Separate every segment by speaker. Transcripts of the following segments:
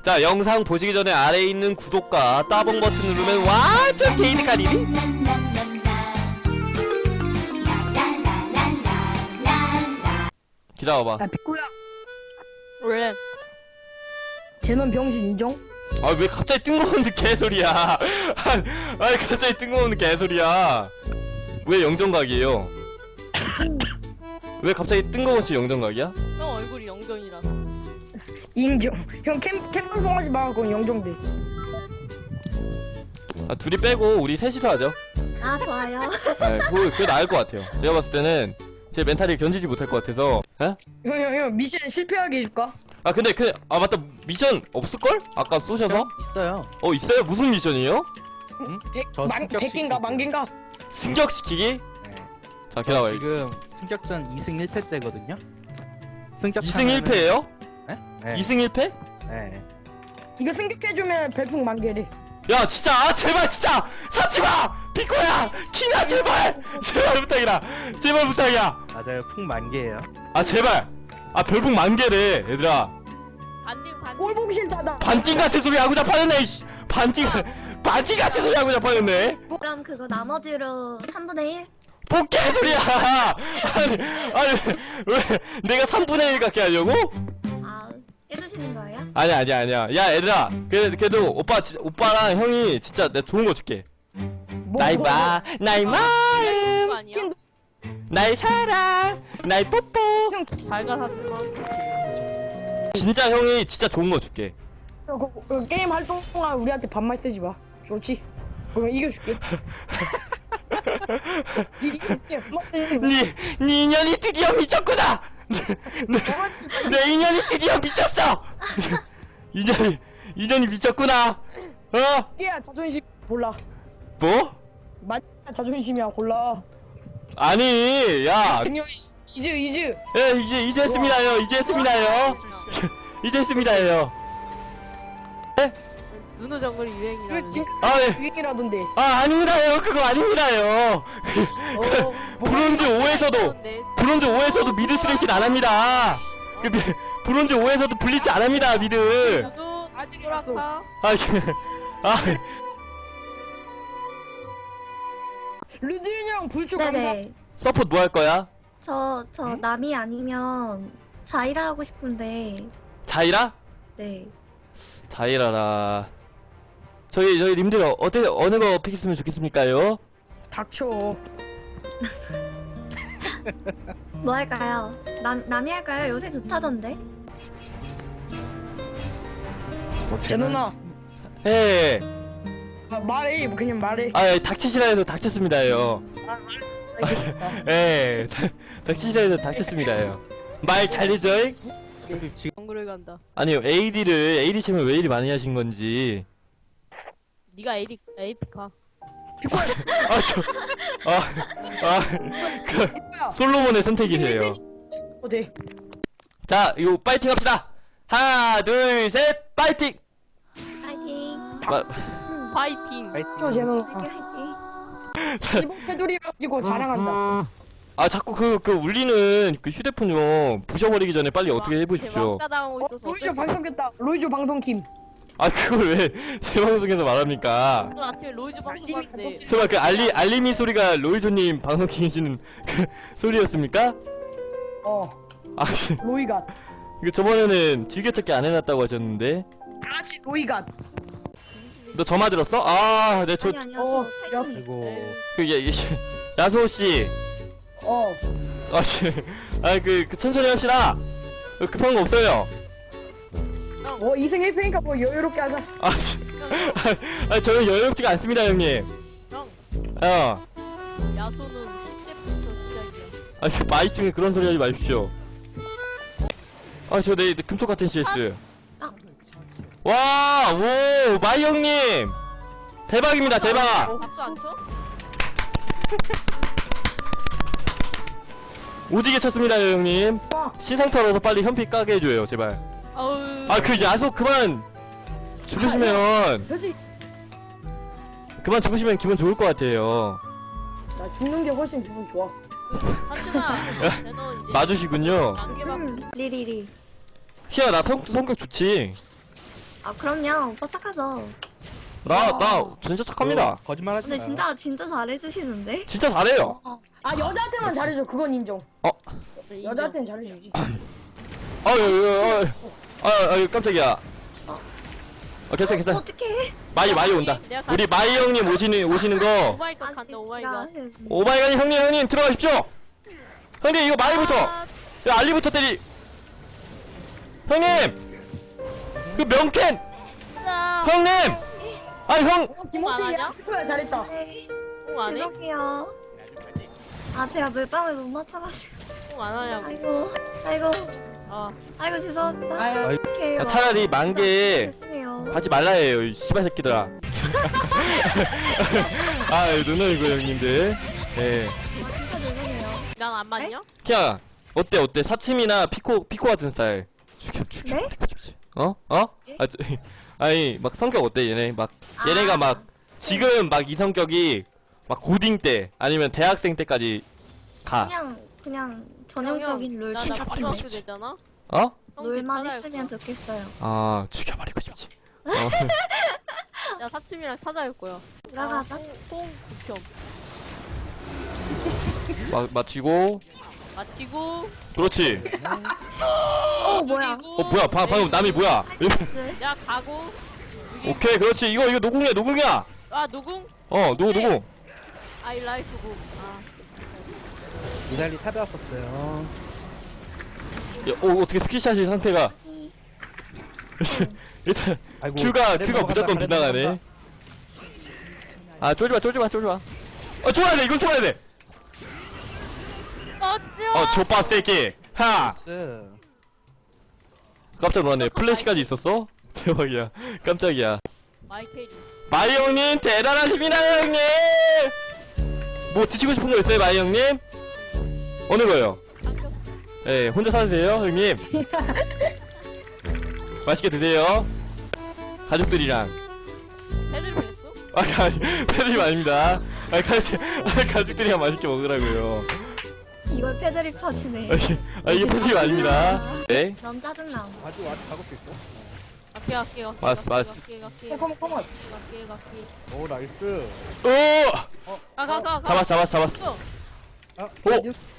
Speaker 1: 자, 영상 보시기 전에 아래에 있는 구독과 따봉 버튼 누르면 완전 게이드 가리비. 기다려봐.
Speaker 2: 야 피코야,
Speaker 3: 왜?
Speaker 2: 쟤는 병신 인정?
Speaker 1: 아, 왜 갑자기 뜬금없는 개소리야. 아니, 갑자기 뜬금없는 개소리야. 왜 영정각이에요? 왜 갑자기 뜬금없이 영정각이야?
Speaker 3: 형 얼굴이 영정이라서.
Speaker 2: 인정. 형 캠방송하지 마. 그건 영정돼.
Speaker 1: 아, 둘이 빼고 우리 셋이서 하죠.
Speaker 4: 아 좋아요.
Speaker 1: 아, 그게 나을 것 같아요. 제가 봤을 때는 제 멘탈이 견디지 못할 것 같아서. 에?
Speaker 2: 형 미션 실패하게 해줄까?
Speaker 1: 아, 근데 아, 맞다. 미션 없을걸? 아까 쏘셔서?
Speaker 5: 있어요.
Speaker 1: 있어요? 무슨 미션이에요?
Speaker 5: 저 승격
Speaker 2: 100개인가 만개인가?
Speaker 1: 승격시키기?
Speaker 5: 네.
Speaker 1: 자, 기다려.
Speaker 5: 지금 승격전 2승 1패째거든요. 승격
Speaker 1: 2승 1패예요?
Speaker 5: 네.
Speaker 1: 2승 1패?
Speaker 5: 네.
Speaker 2: 이거 승격해주면 별풍 만개래.
Speaker 1: 야, 진짜, 아, 제발, 진짜! 사치마! 비코야! 키나, 제발! 제발 부탁이다! 제발 부탁이야!
Speaker 5: 맞아요. 풍 만개예요.
Speaker 1: 아, 제발! 아, 별풍 만개래, 얘들아.
Speaker 3: 반띵.
Speaker 2: 꼴 보기 싫다 나.
Speaker 1: 반띵 같은 소리 하고 자빠졌네, 이씨! 반띵 같은 소리 하고 자빠졌네?
Speaker 4: 그럼 그거 나머지로 3분의 1?
Speaker 1: 뭐 개소리야! 아니, 왜, 내가 3분의 1 갖게 하려고?
Speaker 4: 아 해주시는 거예요?
Speaker 1: 아니야. 야, 얘들아. 그래도 오빠랑 형이 진짜 내가 좋은 거 줄게. 나의 마음,
Speaker 3: 그거 아니야?
Speaker 1: 나의 사랑, 나의 뽀뽀.
Speaker 2: 형
Speaker 3: 밝아사지마.
Speaker 1: 진짜 형이 진짜 좋은 거 줄게.
Speaker 2: 그 게임 할 동안 우리한테 반말 쓰지 마. 좋지? 그럼 이겨줄게. 이겨줄게.
Speaker 1: 네 인연이 드디어 미쳤구나. 내 인연이 드디어 미쳤어. 인연이 미쳤구나. 어?
Speaker 2: 야 자존심 골라.
Speaker 1: 뭐?
Speaker 2: 맞 자존심이야 골라.
Speaker 1: 아니, 야.
Speaker 2: 그냥 이즈.
Speaker 1: 예, 이제 했습니다요. 이제 했습니다요.
Speaker 3: 누누 정글이
Speaker 2: 이거
Speaker 3: 유행이라는.
Speaker 2: 징크스
Speaker 1: 아, 예.
Speaker 2: 유행이라던데.
Speaker 1: 아, 아닙니다요. 그거 아닙니다요. 브론즈 5에서도 미드 스레시는 안 합니다. 브론즈 5에서도 블리치 안 합니다, 미드.
Speaker 3: 유수
Speaker 2: 아직
Speaker 3: 소라카.
Speaker 2: 르드인 형 불초 감사.
Speaker 4: 네네.
Speaker 1: 서포트 뭐 할 거야?
Speaker 4: 저 남이 아니면 자이라 하고 싶은데.
Speaker 1: 자이라?
Speaker 4: 네.
Speaker 1: 자이라라. 저희 님들 어느 거 픽했으면 좋겠습니까요?
Speaker 2: 닥쳐.
Speaker 4: 뭐 할까요? 남이 할까요? 요새 좋다던데.
Speaker 2: 제노나.
Speaker 1: 예.
Speaker 2: 말해. 그냥 말해.
Speaker 1: 아, 닥치시라 해서 닥쳤습니다요. 예. 닥치시라 해서 닥쳤습니다요. 말 잘되죠?
Speaker 5: 지금
Speaker 3: 정글을 간다.
Speaker 1: 아니요, AD 챔을 왜 이리 많이 하신 건지.
Speaker 3: 네가 AP카.
Speaker 2: 피코야.
Speaker 1: 솔로몬의 선택이세요.
Speaker 2: 네.
Speaker 1: 자, 이거 파이팅 합시다. 하나, 둘, 셋, 파이팅!
Speaker 4: 파이팅.
Speaker 3: 파이팅.
Speaker 2: 저 제노나.
Speaker 4: 파이팅.
Speaker 2: 이번 테두리 가지고 자랑한다.
Speaker 1: 아, 자꾸 그 울리는 그 휴대폰 좀 부셔버리기 전에 빨리 어떻게 해보십시오.
Speaker 3: 막다당하고 있어서.
Speaker 2: 로이조 방송겠다. 로이조 방송킴.
Speaker 1: 아, 그걸 왜 제 방송에서 말합니까?
Speaker 3: 오늘 아침에 로이즈 방송 봤는데.
Speaker 1: 설마 그 알림이 소리가 로이조님 방송 키시는 그 소리였습니까? 아,
Speaker 2: 로이갓.
Speaker 1: 이거 저번에는 즐겨찾기 안 해놨다고 하셨는데.
Speaker 2: 다같이 로이갓.
Speaker 1: 너 저마 들었어? 아, 네, 저,
Speaker 4: 아니요. 저 팔뚝.
Speaker 5: 그리고
Speaker 1: 야소씨. 천천히 합시다. 급한 거 없어요.
Speaker 2: 2승 1패니까 뭐 여유롭게 하자.
Speaker 1: 저는 여유롭지가 않습니다, 형님.
Speaker 3: 형. 야소는 10대부터 시작이야.
Speaker 1: 마이 중에 그런 소리 하지 마십시오. 저 내일 금쪽 같은 CS. 와, 오, 마이 형님. 대박입니다, 대박.
Speaker 3: 박수 안 쳐?
Speaker 1: 오지게 쳤습니다, 형님. 신상 털어서 빨리 현피 까게 해줘요, 제발.
Speaker 3: 어우.
Speaker 1: 그 야소 그만 죽으시면 기분 좋을 것 같아요.
Speaker 2: 나 죽는 게 훨씬 기분 좋아.
Speaker 3: 하진아. 쟤너 이제.
Speaker 1: 맞으시군요.
Speaker 3: 안개만.
Speaker 4: 리리리.
Speaker 1: 희야, 나 성격 좋지.
Speaker 4: 아 그럼요. 오빠 착하죠.
Speaker 1: 나 진짜 착합니다.
Speaker 5: 거짓말하지
Speaker 4: 근데
Speaker 5: 마요.
Speaker 4: 진짜 잘해주시는데.
Speaker 1: 진짜 잘해요.
Speaker 2: 아 여자한테만 잘해줘. 그건 인정.
Speaker 3: 인정.
Speaker 2: 여자한테는 잘해주지.
Speaker 1: 깜짝이야. 괜찮아.
Speaker 4: 어떡해.
Speaker 1: 마이 온다.
Speaker 3: 내가
Speaker 1: 우리 마이 형님 오시는 거.
Speaker 3: 오마이갓 간다 오마이갓.
Speaker 1: 오마이갓 형님 들어가십시오. 형님 이거 마이부터.
Speaker 3: 아,
Speaker 1: 야, 알리부터 때리. 형님 그 명캔.
Speaker 3: 진짜.
Speaker 1: 형님. 형.
Speaker 2: 김호태
Speaker 3: 안 하냐?
Speaker 2: 야프야 잘했다.
Speaker 4: 네.
Speaker 3: 안 해?
Speaker 4: 죄송해요. 아 제가 물방울 못 맞춰가지고.
Speaker 3: 안 하냐고.
Speaker 4: 아이고
Speaker 3: 아,
Speaker 4: 죄송합니다.
Speaker 2: 아유.
Speaker 4: 어떡해요.
Speaker 1: 야, 차라리 만개
Speaker 4: 죄송해요.
Speaker 1: 하지 말라 해요, 이 씨발 새끼들아. 누나 이거 형님들. 예.
Speaker 4: 아, 진짜 죄송해요.
Speaker 3: 난 안 맞냐?
Speaker 1: 키야 어때 사침이나 피코 같은 스타일. 죽여
Speaker 4: 네?
Speaker 1: 죽여. 어?
Speaker 4: 예?
Speaker 1: 아니 막 성격 어때 얘네 막
Speaker 4: 아.
Speaker 1: 얘네가 막 지금 막 이 성격이 막 고딩 때 아니면 대학생 때까지 가.
Speaker 4: 그냥 전형적인 롤
Speaker 3: 나나
Speaker 4: 진짜
Speaker 3: 중학교 됐잖아.
Speaker 1: 어?
Speaker 4: 롤만
Speaker 3: 찾아갈
Speaker 4: 했으면
Speaker 3: 거야.
Speaker 4: 좋겠어요.
Speaker 1: 아 죽여버리고 싶지.
Speaker 3: 야 사침이랑 찾아갈 거야.
Speaker 4: 들어가자.
Speaker 3: 통 극혐.
Speaker 1: 맞히고.
Speaker 3: 마치고.
Speaker 1: 그렇지.
Speaker 4: 뭐야?
Speaker 3: 그리고
Speaker 1: 뭐야 방금 남이 뭐야?
Speaker 4: 네.
Speaker 3: 야 가고. 여기-
Speaker 1: 오케이 그렇지 이거 노궁이야.
Speaker 3: 아 누궁?
Speaker 1: 노궁.
Speaker 3: I like 구. 아
Speaker 5: 이달리 탑에 왔었어요.
Speaker 1: 야, 어떻게 스키샷이 상태가 일단
Speaker 5: 아이고,
Speaker 1: 큐가
Speaker 5: 잘해 넘어간다,
Speaker 1: 무조건
Speaker 5: 잘해
Speaker 1: 빗나가네.
Speaker 5: 넘어간다.
Speaker 1: 쫄지마. 쫄아야 돼. 이건 쫄아야 돼.
Speaker 3: 어찌?
Speaker 1: 족바 새끼. 하.
Speaker 5: 나이스.
Speaker 1: 깜짝 놀랐네. 플래시까지 있었어? 대박이야. 깜짝이야.
Speaker 3: 마이케이지.
Speaker 1: 마이 형님 대단하십니다 형님. 뭐 드시고 싶은 거 있어요 마이 형님? 어느 거요?
Speaker 3: 상급.
Speaker 1: 예, 혼자 사세요 형님. 맛있게 드세요. 가족들이랑.
Speaker 3: 패들 했어?
Speaker 1: 패드립 아닙니다. 가족들이랑 맛있게 먹으라고요.
Speaker 4: 이걸 패드립 퍼지네.
Speaker 1: 이게 패드립 아닙니다. 네.
Speaker 4: 너무 짜증나.
Speaker 5: 아주 작을 수 있어.
Speaker 3: 갈게.
Speaker 1: 맞스.
Speaker 2: 컴온.
Speaker 3: 갈게.
Speaker 5: 오 나이스.
Speaker 1: 오!
Speaker 3: 가.
Speaker 1: 잡았어. 오!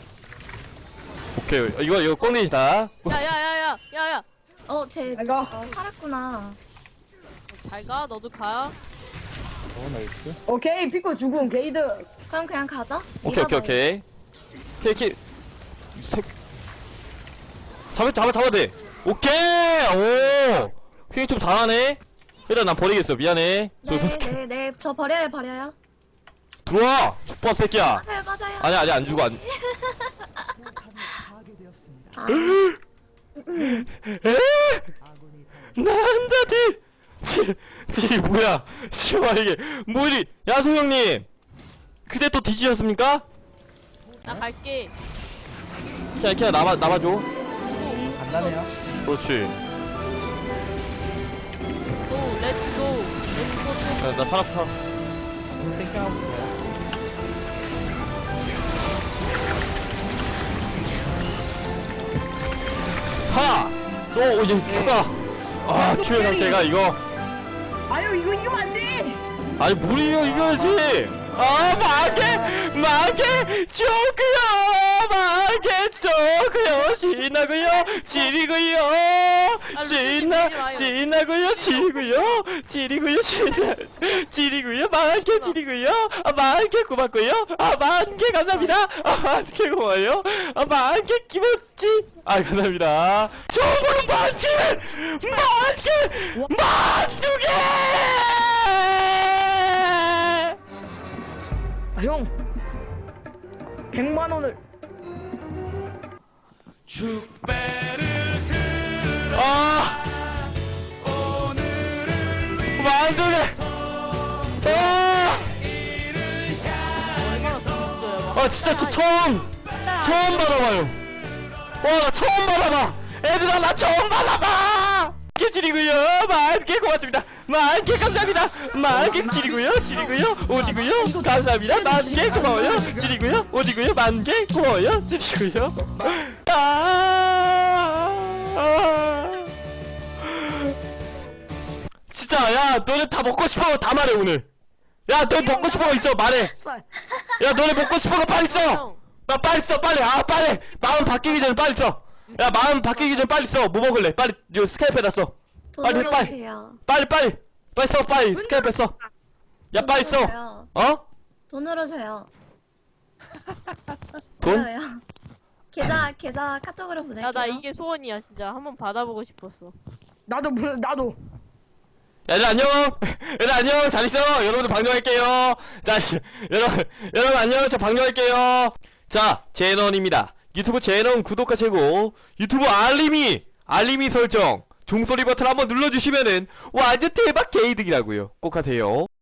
Speaker 1: 오케이. 이거 꽁내지다.
Speaker 3: 야야야야야야.
Speaker 4: 쟤
Speaker 2: 내가
Speaker 4: 살았구나.
Speaker 3: 잘 가. 너도 가.
Speaker 5: 오 나이스.
Speaker 2: 오케이 피코 죽음 게이드.
Speaker 4: 그럼 그냥 가자.
Speaker 1: 오케이. 케이키. 잡아야 돼. 오케이! 오! 휘잉 좀 잘하네? 일단 난 버리겠어. 미안해.
Speaker 4: 네. 저 버려요.
Speaker 1: 들어와! 족밥 새끼야!
Speaker 4: 맞아요.
Speaker 1: 아니, 안 죽어.
Speaker 4: 아,
Speaker 1: 난다, 딜 뭐야? 씨발, 이게. 뭐 이리. 야소 형님! 그대 또 뒤지셨습니까?
Speaker 3: 나 갈게.
Speaker 1: 그냥 남아줘.
Speaker 5: 간단해요.
Speaker 1: 그렇지.
Speaker 3: 고 렛츠고.
Speaker 1: 나 살았어.
Speaker 5: 오늘 땡깡하고 있어요.
Speaker 1: 하! 이제 큐가. 큐의 상태가 이거.
Speaker 2: 아유 이거 이기면 안 돼.
Speaker 1: 아니, 무리요, 이거지! 만개! 좋고요! 신나고요! 지리고요! 신나고요! 지리고요! 만개 지리고요! 만개 고맙고요! 만개 감사합니다! 만개 고마워요! 만개 기뻤지! 감사합니다! 저번에 만두개!
Speaker 2: 형 100만 원을.
Speaker 1: 만두개! 진짜 저 처음 받아봐요. 나 처음 받아봐. 애들아 나 처음 받아봐. 만개 지리고요. 만개 고맙습니다. 만개 감사합니다. 만개 지리고요. 오지고요. 감사합니다. 만개 고마워요. 지리고요. 오지고요. 만개 고마워요. 지리고요. 진짜 야 너네 다 먹고 싶은 거 다 말해 오늘. 야 너 먹고 싶은 거 있어 말해. 야 너네 먹고 싶은 거 빨리 써.
Speaker 3: 형,
Speaker 1: 나 빨리 써 빨리. 아 빨리 마음 바뀌기 전에 빨리 써. 야 마음 바뀌기 전에 빨리 써. 뭐 먹을래? 빨리 이거 스카이프에다 써. 빨리,
Speaker 4: 돈으로
Speaker 1: 빨리.
Speaker 4: 주세요.
Speaker 1: 빨리 써 빨리 스카이프에 써. 야 빨리 써.
Speaker 4: 줘요.
Speaker 1: 어?
Speaker 4: 돈으로 줘요.
Speaker 1: 돈?
Speaker 4: 줘요. 계좌 카톡으로 보낼게요.
Speaker 3: 야, 나 이게 소원이야, 진짜. 한번 받아보고 싶었어.
Speaker 2: 나도.
Speaker 1: 얘들 안녕. 얘들 안녕. 잘 있어. 여러분들 방송할게요. 자 여러분 안녕. 저 방송할게요. 자 제넌입니다. 유튜브 제넌 구독과 최고. 유튜브 알림이 설정. 종소리 버튼 한번 눌러주시면은 완전 대박 개이득이라고요. 꼭 하세요.